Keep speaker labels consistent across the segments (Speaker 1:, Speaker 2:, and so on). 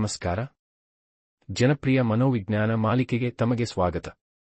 Speaker 1: ನಮಸ್ಕಾರ. ಜನಪ್ರಿಯ ಮನೋವಿಜ್ಞಾನ ಮಾಲಿಕೆಗೆ ತಮಗೆ ಸ್ವಾಗತ.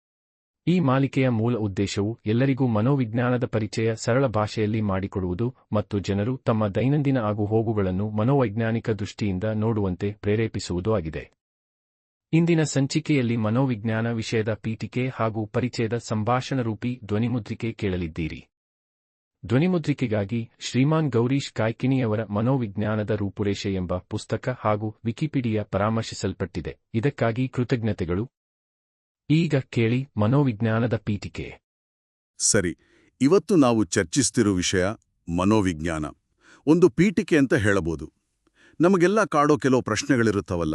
Speaker 1: ಈ ಮಾಲಿಕೆಯ ಮೂಲ ಉದ್ದೇಶವು ಎಲ್ಲರಿಗೂ ಮನೋವಿಜ್ಞಾನದ ಪರಿಚಯ ಸರಳ ಭಾಷೆಯಲ್ಲಿ ಮಾಡಿಕೊಡುವುದು ಮತ್ತು ಜನರು ತಮ್ಮ ದೈನಂದಿನ ಆಗುಹೋಗುಗಳನ್ನು ಮನೋವೈಜ್ಞಾನಿಕ ದೃಷ್ಟಿಯಿಂದ ನೋಡುವಂತೆ ಪ್ರೇರೇಪಿಸುವುದು ಆಗಿದೆ. ಇಂದಿನ ಸಂಚಿಕೆಯಲ್ಲಿ ಮನೋವಿಜ್ಞಾನ ವಿಷಯದ ಪೀಠಿಕೆ ಹಾಗೂ ಪರಿಚಯದ ಸಂಭಾಷಣರೂಪಿ ಧ್ವನಿಮುದ್ರಿಕೆ ಕೇಳಲಿದ್ದೀರಿ. ಧ್ವನಿಮುದ್ರಿಕೆಗಾಗಿ ಶ್ರೀಮಾನ್ ಗೌರೀಶ್ ಕಾಯ್ಕಿಣಿಯವರ ಮನೋವಿಜ್ಞಾನದ ರೂಪುರೇಷೆ ಎಂಬ ಪುಸ್ತಕ ಹಾಗೂ ವಿಕಿಪೀಡಿಯಾ ಪರಾಮರ್ಶಿಸಲ್ಪಟ್ಟಿದೆ. ಇದಕ್ಕಾಗಿ ಕೃತಜ್ಞತೆಗಳು. ಈಗ ಕೇಳಿ ಮನೋವಿಜ್ಞಾನದ ಪೀಠಿಕೆ.
Speaker 2: ಸರಿ, ಇವತ್ತು ನಾವು ಚರ್ಚಿಸ್ತಿರೋ ವಿಷಯ ಮನೋವಿಜ್ಞಾನ. ಒಂದು ಪೀಠಿಕೆ ಅಂತ ಹೇಳಬಹುದು. ನಮಗೆಲ್ಲ ಕಾಡೋ ಕೆಲವು ಪ್ರಶ್ನೆಗಳಿರುತ್ತವಲ್ಲ.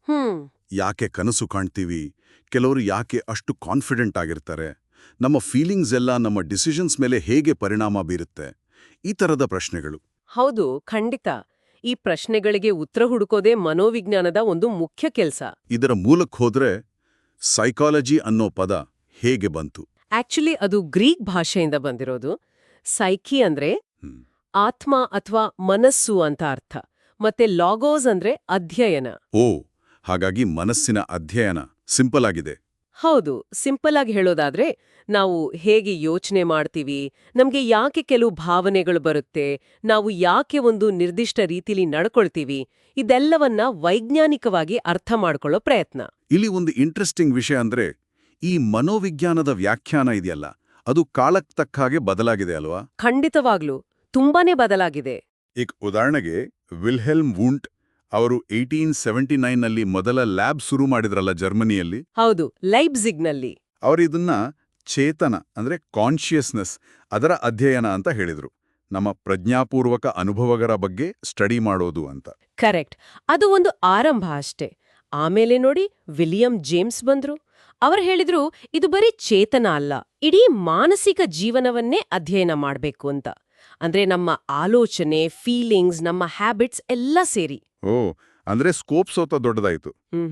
Speaker 2: ಯಾಕೆ ಕನಸು ಕಾಣ್ತೀವಿ? ಕೆಲವರು ಯಾಕೆ ಅಷ್ಟು ಕಾನ್ಫಿಡೆಂಟ್ ಆಗಿರ್ತಾರೆ? ನಮ್ಮ ಫೀಲಿಂಗ್ಸ್ ಎಲ್ಲ ನಮ್ಮ ಡಿಸಿಷನ್ಸ್ ಮೇಲೆ ಹೇಗೆ ಪರಿಣಾಮ ಬೀರುತ್ತೆ? ಈ ಥರದ ಪ್ರಶ್ನೆಗಳು.
Speaker 3: ಹೌದು, ಖಂಡಿತ. ಈ ಪ್ರಶ್ನೆಗಳಿಗೆ ಉತ್ತರ ಹುಡುಕೋದೇ ಮನೋವಿಜ್ಞಾನದ ಒಂದು ಮುಖ್ಯ ಕೆಲಸ.
Speaker 2: ಇದರ ಮೂಲಕ್ಕೆ ಹೋದ್ರೆ ಸೈಕಾಲಜಿ ಅನ್ನೋ ಪದ ಹೇಗೆ ಬಂತು?
Speaker 3: ಆಕ್ಚುಲಿ ಅದು ಗ್ರೀಕ್ ಭಾಷೆಯಿಂದ ಬಂದಿರೋದು. ಸೈಕಿ ಅಂದ್ರೆ ಆತ್ಮ ಅಥವಾ ಮನಸ್ಸು ಅಂತ ಅರ್ಥ, ಮತ್ತೆ ಲಾಗೋಸ್ ಅಂದ್ರೆ ಅಧ್ಯಯನ.
Speaker 2: ಓ, ಹಾಗಾಗಿ ಮನಸ್ಸಿನ ಅಧ್ಯಯನ. ಸಿಂಪಲ್ ಆಗಿದೆ.
Speaker 3: ಹೌದು, ಸಿಂಪಲ್ ಆಗಿ ಹೇಳೋದಾದ್ರೆ ನಾವು ಹೇಗೆ ಯೋಚನೆ ಮಾಡ್ತೀವಿ, ನಮ್ಗೆ ಯಾಕೆ ಕೆಲವು ಭಾವನೆಗಳು ಬರುತ್ತೆ, ನಾವು ಯಾಕೆ ಒಂದು ನಿರ್ದಿಷ್ಟ ರೀತಿಲಿ ನಡ್ಕೊಳ್ತೀವಿ, ಇದೆಲ್ಲವನ್ನ ವೈಜ್ಞಾನಿಕವಾಗಿ ಅರ್ಥ ಮಾಡ್ಕೊಳ್ಳೋ ಪ್ರಯತ್ನ.
Speaker 2: ಇಲ್ಲಿ ಒಂದು ಇಂಟ್ರೆಸ್ಟಿಂಗ್ ವಿಷಯ ಅಂದ್ರೆ ಈ ಮನೋವಿಜ್ಞಾನದ ವ್ಯಾಖ್ಯಾನ ಇದೆಯಲ್ಲ, ಅದು ಕಾಲಕ್ಕೆ ತಕ್ಕ ಹಾಗೆ ಬದಲಾಗಿದೆ ಅಲ್ವಾ?
Speaker 3: ಖಂಡಿತವಾಗ್ಲೂ ತುಂಬಾನೇ ಬದಲಾಗಿದೆ.
Speaker 2: ಈಗ ಉದಾಹರಣೆಗೆ ವಿಲ್ಹೆಲ್ಮ್ ವೂಂಟ್ ಅವರು 1879ನಲ್ಲಿ ಮೊದಲ ಲ್ಯಾಬ್ ಶುರು ಮಾಡಿದ್ರಲ್ಲ ಜರ್ಮನಿಯಲ್ಲಿ.
Speaker 3: ಹೌದು, ಲೈಪ್ಜಿಗ್ನಲ್ಲಿ.
Speaker 2: ಅವರು ಇದನ್ನ ಚೇತನ ಅಂದ್ರೆ ಕಾನ್ಷಿಯಸ್ನೆಸ್, ಅದರ ಅಧ್ಯಯನ ಅಂತ ಹೇಳಿದ್ರು. ನಮ್ಮ ಪ್ರಜ್ಞಾಪೂರ್ವಕ ಅನುಭವಗಳ ಬಗ್ಗೆ ಸ್ಟಡಿ ಮಾಡೋದು ಅಂತ.
Speaker 3: ಕರೆಕ್ಟ್. ಅದು ಒಂದು ಆರಂಭ ಅಷ್ಟೇ. ಆಮೇಲೆ ನೋಡಿ, ವಿಲಿಯಂ ಜೇಮ್ಸ್ ಬಂದ್ರು. ಅವರು ಹೇಳಿದ್ರು ಇದು ಬರೀ ಚೇತನ ಅಲ್ಲ, ಇಡೀ ಮಾನಸಿಕ ಜೀವನವನ್ನೇ ಅಧ್ಯಯನ ಮಾಡ್ಬೇಕು ಅಂತ. ಅಂದ್ರೆ ನಮ್ಮ ಆಲೋಚನೆ, ಫೀಲಿಂಗ್ಸ್, ನಮ್ಮ ಹ್ಯಾಬಿಟ್ಸ್ ಎಲ್ಲ ಸೇರಿ.
Speaker 2: ಓ, ಅಂದ್ರೆ ಸ್ಕೋಪ್ ಸೋತ ದೊಡ್ಡದಾಯ್ತು.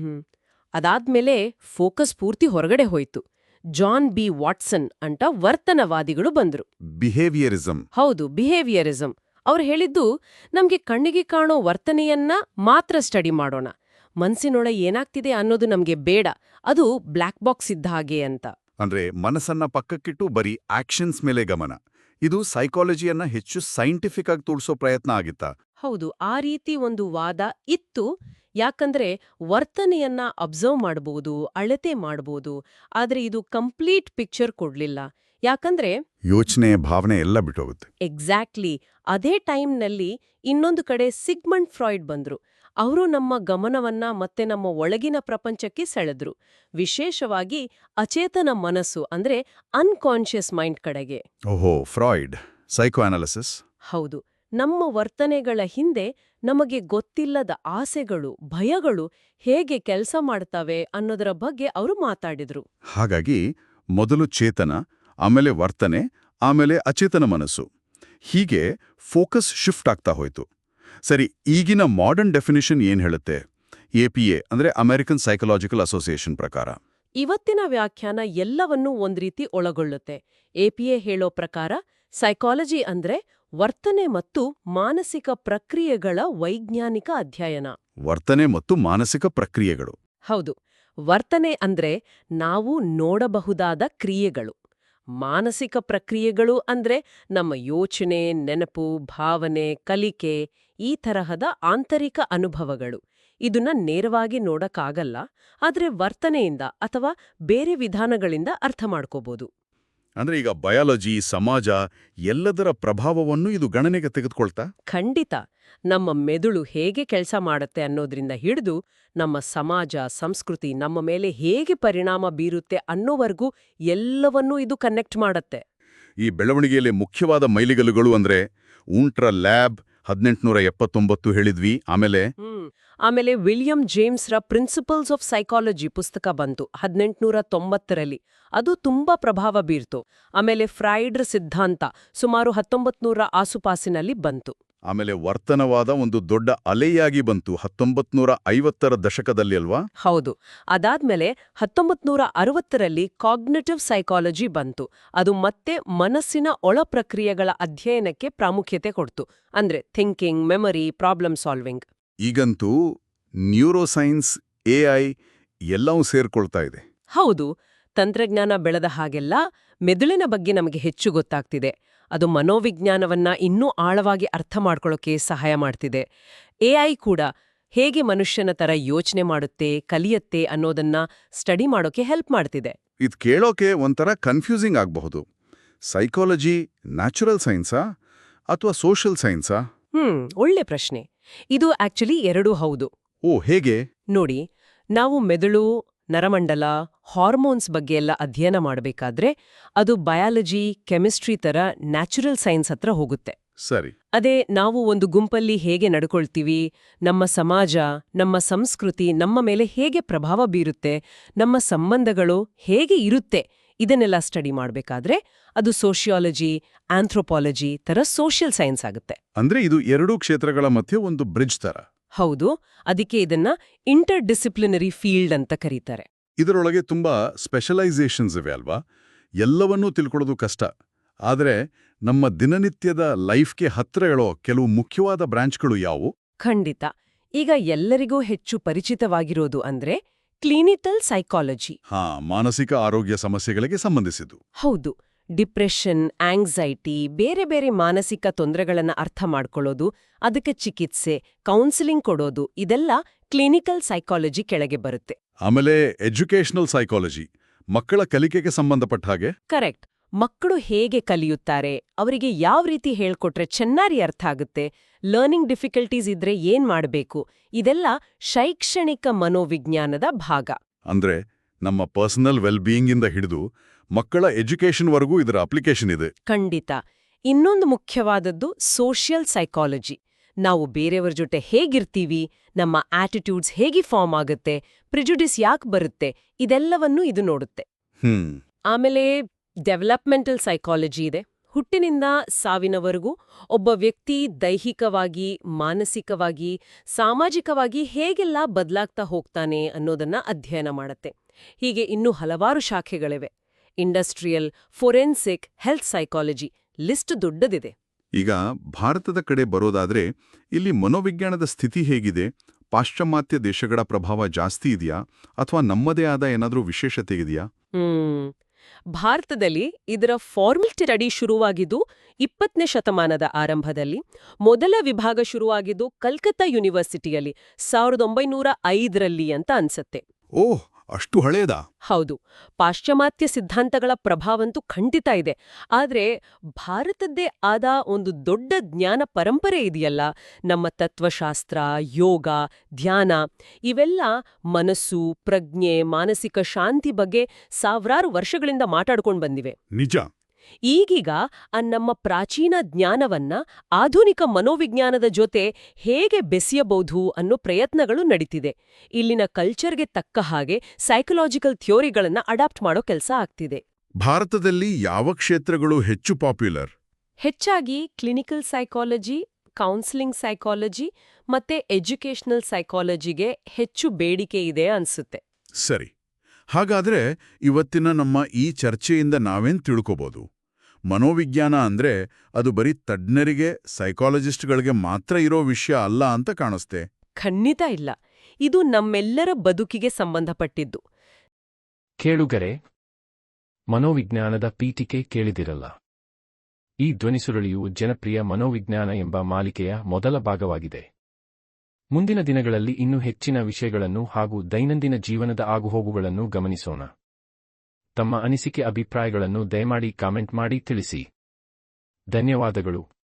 Speaker 3: ಅದಾದ್ಮೇಲೆ ಫೋಕಸ್ ಪೂರ್ತಿ ಹೊರಗಡೆ ಹೋಯ್ತು. ಜಾನ್ ಬಿ ವಾಟ್ಸನ್ ಅಂತ ವರ್ತನವಾದಿಗಳು ಬಂದ್ರು.
Speaker 2: ಬಿಹೇವಿಯರಿಸಂ.
Speaker 3: ಹೌದು, ಬಿಹೇವಿಯರಿಸಂ. ಅವ್ರು ಹೇಳಿದ್ದು ನಮ್ಗೆ ಕಣ್ಣಿಗೆ ಕಾಣೋ ವರ್ತನೆಯನ್ನ ಮಾತ್ರ ಸ್ಟಡಿ ಮಾಡೋಣ, ಮನ್ಸಿನೊಳ ಏನಾಗ್ತಿದೆ ಅನ್ನೋದು ನಮ್ಗೆ ಬೇಡ, ಅದು ಬ್ಲ್ಯಾಕ್ ಬಾಕ್ಸ್ ಇದ್ದ ಹಾಗೆ ಅಂತ.
Speaker 2: ಅಂದ್ರೆ ಮನಸ್ಸನ್ನ ಪಕ್ಕಕ್ಕಿಟ್ಟು ಬರೀ ಆಕ್ಷನ್ಸ್ ಮೇಲೆ ಗಮನ. ಇದು ಸೈಕಾಲಜಿಯನ್ನ ಹೆಚ್ಚು ಸೈಂಟಿಫಿಕ್ ಆಗಿ ತೋರಿಸೋ ಪ್ರಯತ್ನ ಆಗಿತ್ತಾ?
Speaker 3: ಹೌದು, ಆ ರೀತಿ ಒಂದು ವಾದ ಇತ್ತು. ಯಾಕಂದ್ರೆ ವರ್ತನೆಯನ್ನ ಅಬ್ಸರ್ವ್ ಮಾಡಬಹುದು, ಅಳತೆ ಮಾಡಬಹುದು, ಆದ್ರೆ ಇದು ಕಂಪ್ಲೀಟ್ ಪಿಕ್ಚರ್ ಕೊಡ್ಲಿಲ್ಲ. ಯಾಕಂದ್ರೆ
Speaker 2: ಯೋಚನೆ, ಭಾವನೆ ಎಲ್ಲ ಬಿಟ್ಟೋಗುತ್ತೆ.
Speaker 3: ಎಕ್ಸಾಕ್ಟ್ಲಿ. ಅದೇ ಟೈಮ್ನಲ್ಲಿ ಇನ್ನೊಂದು ಕಡೆ ಸಿಗ್ಮಂಡ್ ಫ್ರಾಯ್ಡ್ ಬಂದ್ರು. ಅವರು ನಮ್ಮ ಗಮನವನ್ನ ಮತ್ತೆ ನಮ್ಮ ಒಳಗಿನ ಪ್ರಪಂಚಕ್ಕೆ ಸೆಳೆದ್ರು, ವಿಶೇಷವಾಗಿ ಅಚೇತನ ಮನಸ್ಸು ಅಂದ್ರೆ ಅನ್ಕಾನ್ಷಿಯಸ್ ಮೈಂಡ್ ಕಡೆಗೆ.
Speaker 2: ಓಹೋ, ಫ್ರಾಯ್ಡ್ ಸೈಕೋ ಅನಾಲಿಸಿಸ್.
Speaker 3: ಹೌದು, ನಮ್ಮ ವರ್ತನೆಗಳ ಹಿಂದೆ ನಮಗೆ ಗೊತ್ತಿಲ್ಲದ ಆಸೆಗಳು, ಭಯಗಳು ಹೇಗೆ ಕೆಲಸ ಮಾಡ್ತವೆ ಅನ್ನೋದರ ಬಗ್ಗೆ ಅವರು ಮಾತಾಡಿದ್ರು.
Speaker 2: ಹಾಗಾಗಿ ಮೊದಲು ಚೇತನ, ಆಮೇಲೆ ವರ್ತನೆ, ಆಮೇಲೆ ಅಚೇತನ ಮನಸ್ಸು, ಹೀಗೆ ಫೋಕಸ್ ಶಿಫ್ಟ್ ಆಗ್ತಾ ಹೋಯ್ತು. ಸರಿ, ಈಗಿನ ಮಾಡರ್ನ್ ಡೆಫಿನಿಷನ್ ಏನ್ ಹೇಳುತ್ತೆ? APA ಅಂದ್ರೆ ಅಮೆರಿಕನ್ ಸೈಕಲಾಜಿಕಲ್ ಅಸೋಸಿಯೇಷನ್ ಪ್ರಕಾರ.
Speaker 3: ಇವತ್ತಿನ ವ್ಯಾಖ್ಯಾನ ಎಲ್ಲವನ್ನೂ ಒಂದ್ ರೀತಿ ಒಳಗೊಳ್ಳುತ್ತೆ. APA ಹೇಳೋ ಪ್ರಕಾರ ಸೈಕಾಲಜಿ ಅಂದ್ರೆ ವರ್ತನೆ ಮತ್ತು ಮಾನಸಿಕ ಪ್ರಕ್ರಿಯೆಗಳ ವೈಜ್ಞಾನಿಕ ಅಧ್ಯಯನ.
Speaker 2: ವರ್ತನೆ ಮತ್ತು ಮಾನಸಿಕ ಪ್ರಕ್ರಿಯೆಗಳು.
Speaker 3: ಹೌದು, ವರ್ತನೆ ಅಂದ್ರೆ ನಾವು ನೋಡಬಹುದಾದ ಕ್ರಿಯೆಗಳು. ಮಾನಸಿಕ ಪ್ರಕ್ರಿಯೆಗಳು ಅಂದ್ರೆ ನಮ್ಮ ಯೋಚನೆ, ನೆನಪು, ಭಾವನೆ, ಕಲಿಕೆ, ಈ ತರಹದ ಆಂತರಿಕ ಅನುಭವಗಳು. ಇದನ್ನ ನೇರವಾಗಿ ನೋಡಕ್ಕಾಗಲ್ಲ, ಆದ್ರೆ ವರ್ತನೆಯಿಂದ ಅಥವಾ ಬೇರೆ ವಿಧಾನಗಳಿಂದ ಅರ್ಥ ಮಾಡ್ಕೋಬಹುದು.
Speaker 2: ಅಂದ್ರೆ ಈಗ ಬಯಾಲಜಿ, ಸಮಾಜ ಎಲ್ಲದರ ಪ್ರಭಾವವನ್ನು ಇದು ಗಣನೆಗೆ ತೆಗೆದುಕೊಳ್ತಾ?
Speaker 3: ಖಂಡಿತ. ನಮ್ಮ ಮೆದುಳು ಹೇಗೆ ಕೆಲಸ ಮಾಡುತ್ತೆ ಅನ್ನೋದ್ರಿಂದ ಹಿಡಿದು ನಮ್ಮ ಸಮಾಜ, ಸಂಸ್ಕೃತಿ ನಮ್ಮ ಮೇಲೆ ಹೇಗೆ ಪರಿಣಾಮ ಬೀರುತ್ತೆ ಅನ್ನೋವರೆಗೂ ಎಲ್ಲವನ್ನೂ ಇದು ಕನೆಕ್ಟ್ ಮಾಡತ್ತೆ.
Speaker 2: ಈ ಬೆಳವಣಿಗೆಯಲ್ಲಿ ಮುಖ್ಯವಾದ ಮೈಲಿಗಲ್ಲುಗಳು ಅಂದ್ರೆ ಊಂಟ್ರ ಲ್ಯಾಬ್ 1879 ಹೇಳಿದ್ವಿ.
Speaker 3: ಆಮೇಲೆ ವಿಲಿಯಂ ಜೇಮ್ಸ್ರ ಪ್ರಿನ್ಸಿಪಲ್ಸ್ ಆಫ್ ಸೈಕಾಲಜಿ ಪುಸ್ತಕ ಬಂತು 1890ರಲ್ಲಿ. ಅದು ತುಂಬಾ ಪ್ರಭಾವ ಬೀರ್ತು. ಆಮೇಲೆ ಫ್ರಾಯ್ಡ್ರ ಸಿದ್ಧಾಂತ ಸುಮಾರು 1900 ಆಸುಪಾಸಿನಲ್ಲಿ ಬಂತು.
Speaker 2: ಆಮೇಲೆ ವರ್ತನವಾದ ಒಂದು ದೊಡ್ಡ ಅಲೆಯಾಗಿ ಬಂತು 1950ರ ದಶಕದಲ್ಲಿ ಅಲ್ವಾ?
Speaker 3: ಹೌದು. ಅದಾದ್ಮೇಲೆ 1960ರಲ್ಲಿ ಕಾಗ್ನಿಟಿವ್ ಸೈಕಾಲಜಿ ಬಂತು. ಅದು ಮತ್ತೆ ಮನಸ್ಸಿನ ಒಳ ಪ್ರಕ್ರಿಯೆಗಳ ಅಧ್ಯಯನಕ್ಕೆ ಪ್ರಾಮುಖ್ಯತೆ ಕೊಡ್ತು. ಅಂದ್ರೆ ಥಿಂಕಿಂಗ್, ಮೆಮರಿ, ಪ್ರಾಬ್ಲಮ್ ಸಾಲ್ವಿಂಗ್.
Speaker 2: ಈಗಂತೂ ನ್ಯೂರೋಸೈನ್ಸ್, AI ಎಲ್ಲವೂ ಸೇರ್ಕೊಳ್ತಾ ಇದೆ.
Speaker 3: ಹೌದು, ತಂತ್ರಜ್ಞಾನ ಬೆಳೆದ ಹಾಗೆಲ್ಲ ಮೆದುಳಿನ ಬಗ್ಗೆ ನಮಗೆ ಹೆಚ್ಚು ಗೊತ್ತಾಗ್ತಿದೆ. ಅದು ಮನೋವಿಜ್ಞಾನವನ್ನ ಇನ್ನೂ ಆಳವಾಗಿ ಅರ್ಥ ಮಾಡ್ಕೊಳ್ಳೋಕೆ ಸಹಾಯ ಮಾಡ್ತಿದೆ. AI ಕೂಡ ಹೇಗೆ ಮನುಷ್ಯನ ತರ ಯೋಚನೆ ಮಾಡುತ್ತೆ, ಕಲಿಯತ್ತೆ ಅನ್ನೋದನ್ನ ಸ್ಟಡಿ ಮಾಡೋಕೆ ಹೆಲ್ಪ್ ಮಾಡ್ತಿದೆ.
Speaker 2: ಇದು ಕೇಳೋಕೆ ಒಂಥರ ಕನ್ಫ್ಯೂಸಿಂಗ್ ಆಗಬಹುದು. ಸೈಕಾಲಜಿ ನ್ಯಾಚುರಲ್ ಸೈನ್ಸಾ ಅಥವಾ ಸೋಷಿಯಲ್ ಸೈನ್ಸಾ?
Speaker 3: ಒಳ್ಳೆ ಪ್ರಶ್ನೆ. ಇದು ಆಕ್ಚುಲಿ ಎರಡೂ ಹೌದು.
Speaker 2: ಓ, ಹೇಗೆ?
Speaker 3: ನೋಡಿ, ನಾವು ಮೆದುಳು, ನರಮಂಡಲ, ಹಾರ್ಮೋನ್ಸ್ ಬಗ್ಗೆ ಎಲ್ಲ ಅಧ್ಯಯನ ಮಾಡಬೇಕಾದ್ರೆ ಅದು ಬಯಾಲಜಿ, ಕೆಮಿಸ್ಟ್ರಿ ತರ ನ್ಯಾಚುರಲ್ ಸೈನ್ಸ್ ಹತ್ರ ಹೋಗುತ್ತೆ.
Speaker 2: ಸರಿ.
Speaker 3: ಅದೇ ನಾವು ಒಂದು ಗುಂಪಲ್ಲಿ ಹೇಗೆ ನಡ್ಕೊಳ್ತೀವಿ, ನಮ್ಮ ಸಮಾಜ, ನಮ್ಮ ಸಂಸ್ಕೃತಿ ನಮ್ಮ ಮೇಲೆ ಹೇಗೆ ಪ್ರಭಾವ ಬೀರುತ್ತೆ, ನಮ್ಮ ಸಂಬಂಧಗಳು ಹೇಗೆ ಇರುತ್ತೆ, ಇದನ್ನೆಲ್ಲ ಸ್ಟಡಿ ಮಾಡಬೇಕಾದ್ರೆ ಅದು ಸೋಷಿಯಾಲಜಿ, ಆಂಥ್ರೋಪಾಲಜಿ ತರ ಸೋಷಿಯಲ್ ಸೈನ್ಸ್ ಆಗುತ್ತೆ.
Speaker 2: ಅಂದ್ರೆ ಇದು ಎರಡೂ ಕ್ಷೇತ್ರಗಳ ಮಧ್ಯೆ ಒಂದು ಬ್ರಿಡ್ಜ್ ತರ.
Speaker 3: ಹೌದು, ಅದಕ್ಕೆ ಇದನ್ನ ಇಂಟರ್ ಡಿಸಿಪ್ಲಿನರಿ ಫೀಲ್ಡ್ ಅಂತ ಕರೀತಾರೆ.
Speaker 2: ಇದರೊಳಗೆ ತುಂಬಾ ಸ್ಪೆಷಲೈಸೇಷನ್ಸ್ ಇವೆ ಅಲ್ವಾ? ಎಲ್ಲವನ್ನೂ ತಿಳ್ಕೊಳ್ಳೋದು ಕಷ್ಟ. ಆದರೆ ನಮ್ಮ ದಿನನಿತ್ಯದ ಲೈಫ್ಗೆ ಹತ್ರ ಹೇಳೋ ಕೆಲವು ಮುಖ್ಯವಾದ ಬ್ರಾಂಚ್ಗಳು ಯಾವುವು?
Speaker 3: ಖಂಡಿತ. ಈಗ ಎಲ್ಲರಿಗೂ ಹೆಚ್ಚು ಪರಿಚಿತವಾಗಿರೋದು ಅಂದ್ರೆ ಕ್ಲಿನಿಕಲ್ ಸೈಕಾಲಜಿ.
Speaker 2: ಮಾನಸಿಕ ಆರೋಗ್ಯ ಸಮಸ್ಯೆಗಳಿಗೆ ಸಂಬಂಧಿಸಿದ್ದು.
Speaker 3: ಹೌದು, ಡಿಪ್ರೆಷನ್, ಆಂಗ್ಸೈಟಿ, ಬೇರೆ ಬೇರೆ ಮಾನಸಿಕ ತೊಂದರೆಗಳನ್ನ ಅರ್ಥ ಮಾಡ್ಕೊಳ್ಳೋದು, ಅದಕ್ಕೆ ಚಿಕಿತ್ಸೆ, ಕೌನ್ಸಿಲಿಂಗ್ ಕೊಡೋದು, ಇದೆಲ್ಲ ಕ್ಲಿನಿಕಲ್ ಸೈಕಾಲಜಿ ಕೆಳಗೆ ಬರುತ್ತೆ.
Speaker 2: ಆಮೇಲೆ ಎಜುಕೇಷನಲ್ ಸೈಕಾಲಜಿ, ಮಕ್ಕಳ ಕಲಿಕೆಗೆ ಸಂಬಂಧಪಟ್ಟ ಹಾಗೆ.
Speaker 3: ಕರೆಕ್ಟ್. ಮಕ್ಕಳು ಹೇಗೆ ಕಲಿಯುತ್ತಾರೆ, ಅವರಿಗೆ ಯಾವ ರೀತಿ ಹೇಳ್ಕೊಟ್ರೆ ಚೆನ್ನಾಗಿ ಅರ್ಥ ಆಗುತ್ತೆ, ಲರ್ನಿಂಗ್ ಡಿಫಿಕಲ್ಟೀಸ್ ಇದ್ರೆ ಏನ್ ಮಾಡಬೇಕು, ಇದೆಲ್ಲ ಶೈಕ್ಷಣಿಕ ಮನೋವಿಜ್ಞಾನದ ಭಾಗ.
Speaker 2: ಅಂದ್ರೆ ನಮ್ಮ ಪರ್ಸನಲ್ ವೆಲ್ಬೀಯಿಂಗ್ ಇಂದ ಹಿಡಿದು ಮಕ್ಕಳ ಎಜುಕೇಷನ್ವರೆಗೂ ಇದರ ಅಪ್ಲಿಕೇಶನ್ ಇದೆ.
Speaker 3: ಖಂಡಿತ. ಇನ್ನೊಂದು ಮುಖ್ಯವಾದದ್ದು ಸೋಷಿಯಲ್ ಸೈಕಾಲಜಿ. ನಾವು ಬೇರೆಯವರ ಜೊತೆ ಹೇಗಿರ್ತೀವಿ, ನಮ್ಮ ಆಟಿಟ್ಯೂಡ್ಸ್ ಹೇಗೆ ಫಾರ್ಮ್ ಆಗುತ್ತೆ, ಪ್ರಿಜುಡಿಸ್ ಯಾಕೆ ಬರುತ್ತೆ, ಇದೆಲ್ಲವನ್ನೂ ಇದು ನೋಡುತ್ತೆ. ಆಮೇಲೆ ಡೆವಲಪ್ಮೆಂಟಲ್ ಸೈಕಾಲಜಿ ಇದೆ. ಹುಟ್ಟಿನಿಂದ ಸಾವಿನವರೆಗೂ ಒಬ್ಬ ವ್ಯಕ್ತಿ ದೈಹಿಕವಾಗಿ, ಮಾನಸಿಕವಾಗಿ, ಸಾಮಾಜಿಕವಾಗಿ ಹೇಗೆಲ್ಲ ಬದಲಾಗ್ತಾ ಹೋಗ್ತಾನೆ ಅನ್ನೋದನ್ನ ಅಧ್ಯಯನ ಮಾಡುತ್ತೆ. ಹೀಗೆ ಇನ್ನೂ ಹಲವಾರು ಶಾಖೆಗಳಿವೆ. Industrial, forensic, health psychology, list ದೊಡ್ಡದಿದೆ.
Speaker 2: ಈಗ ಭಾರತದ ಕಡೆ ಬರೋದಾದ್ರೆ ಇಲ್ಲಿ ಮನೋವಿಜ್ಞಾನದ ಸ್ಥಿತಿ ಹೇಗಿದೆ? ಪಾಶ್ಚಿಮಾತ್ಯ ದೇಶಗಳ ಪ್ರಭಾವ ಜಾಸ್ತಿ ಇದೆಯಾ ಅಥವಾ ನಮ್ಮದೇ ಆದ ಏನಾದರೂ ವಿಶೇಷತೆ ಇದೆಯಾ?
Speaker 3: ಭಾರತದಲ್ಲಿ ಇದರ ಫಾರ್ಮಲ್ ಸ್ಟಡಿ ಶುರುವಾಗಿದ್ದು 20ನೇ ಶತಮಾನದ ಆರಂಭದಲ್ಲಿ. ಮೊದಲ ವಿಭಾಗ ಶುರುವಾಗಿದ್ದು ಕಲ್ಕತ್ತಾ ಯೂನಿವರ್ಸಿಟಿಯಲ್ಲಿ 1905ರಲ್ಲಿ ಅಂತ ಅನ್ಸತ್ತೆ.
Speaker 2: ಓಹ್, ಅಷ್ಟು ಹಳೇದಾ?
Speaker 3: ಹೌದು. ಪಾಶ್ಚಿಮಾತ್ಯ ಸಿದ್ಧಾಂತಗಳ ಪ್ರಭಾವಂತೂ ಖಂಡಿತ ಇದೆ. ಆದ್ರೆ ಭಾರತದ್ದೇ ಆದ ಒಂದು ದೊಡ್ಡ ಜ್ಞಾನ ಪರಂಪರೆ ಇದೆಯಲ್ಲ, ನಮ್ಮ ತತ್ವಶಾಸ್ತ್ರ, ಯೋಗ, ಧ್ಯಾನ, ಇವೆಲ್ಲ ಮನಸ್ಸು, ಪ್ರಜ್ಞೆ, ಮಾನಸಿಕ ಶಾಂತಿ ಬಗ್ಗೆ ಸಾವಿರಾರು ವರ್ಷಗಳಿಂದ ಮಾತಾಡ್ಕೊಂಡು ಬಂದಿವೆ.
Speaker 2: ನಿಜ.
Speaker 3: ಈಗೀಗ ನಮ್ಮ ಪ್ರಾಚೀನ ಜ್ಞಾನವನ್ನ ಆಧುನಿಕ ಮನೋವಿಜ್ಞಾನದ ಜೊತೆ ಹೇಗೆ ಬೆಸೆಯಬಹುದು ಅನ್ನೋ ಪ್ರಯತ್ನಗಳು ನಡೀತಿದೆ. ಇಲ್ಲಿನ ಕಲ್ಚರ್ಗೆ ತಕ್ಕ ಹಾಗೆ ಸೈಕಲಾಜಿಕಲ್ ಥಿಯೋರಿಗಳನ್ನ ಅಡಾಪ್ಟ್ ಮಾಡೋ ಕೆಲಸ ಆಗ್ತಿದೆ.
Speaker 2: ಭಾರತದಲ್ಲಿ ಯಾವ ಕ್ಷೇತ್ರಗಳು ಹೆಚ್ಚು ಪಾಪ್ಯುಲರ್?
Speaker 3: ಹೆಚ್ಚಾಗಿ ಕ್ಲಿನಿಕಲ್ ಸೈಕಾಲಜಿ, ಕೌನ್ಸಿಲಿಂಗ್ ಸೈಕಾಲಜಿ ಮತ್ತೆ ಎಜುಕೇಷನಲ್ ಸೈಕಾಲಜಿಗೆ ಹೆಚ್ಚು ಬೇಡಿಕೆ ಇದೆ ಅನ್ಸುತ್ತೆ.
Speaker 2: ಸರಿ. ಹಾಗಾದ್ರೆ ಇವತ್ತಿನ ನಮ್ಮ ಈ ಚರ್ಚೆಯಿಂದ ನಾವೇನ್ ತಿಳ್ಕೋಬಹುದು? ಮನೋವಿಜ್ಞಾನ ಅಂದ್ರೆ ಅದು ಬರೀ ತಜ್ಞರಿಗೆ, ಸೈಕಾಲಜಿಸ್ಟ್ಗಳಿಗೆ ಮಾತ್ರ ಇರೋ ವಿಷಯ ಅಲ್ಲ ಅಂತ ಕಾಣಿಸ್ತೆ.
Speaker 3: ಖಂಡಿತ ಇಲ್ಲ. ಇದು ನಮ್ಮೆಲ್ಲರ ಬದುಕಿಗೆ ಸಂಬಂಧಪಟ್ಟಿದ್ದು.
Speaker 1: ಕೇಳುಗರೆ, ಮನೋವಿಜ್ಞಾನದ ಪೀಠಿಕೆ ಕೇಳಿದಿರಲ್ಲ. ಈ ಧ್ವನಿಸುರುಳಿಯು ಜನಪ್ರಿಯ ಮನೋವಿಜ್ಞಾನ ಎಂಬ ಮಾಲಿಕೆಯ ಮೊದಲ ಭಾಗವಾಗಿದೆ. ಮುಂದಿನ ದಿನಗಳಲ್ಲಿ ಇನ್ನೂ ಹೆಚ್ಚಿನ ವಿಷಯಗಳನ್ನು ಹಾಗೂ ದೈನಂದಿನ ಜೀವನದ ಆಗುಹೋಗುಗಳನ್ನು ಗಮನಿಸೋಣ. ತಮ್ಮ ಅನಿಸಿಕೆ, ಅಭಿಪ್ರಾಯಗಳನ್ನು ದಯಮಾಡಿ ಕಾಮೆಂಟ್ ಮಾಡಿ ತಿಳಿಸಿ. ಧನ್ಯವಾದಗಳು.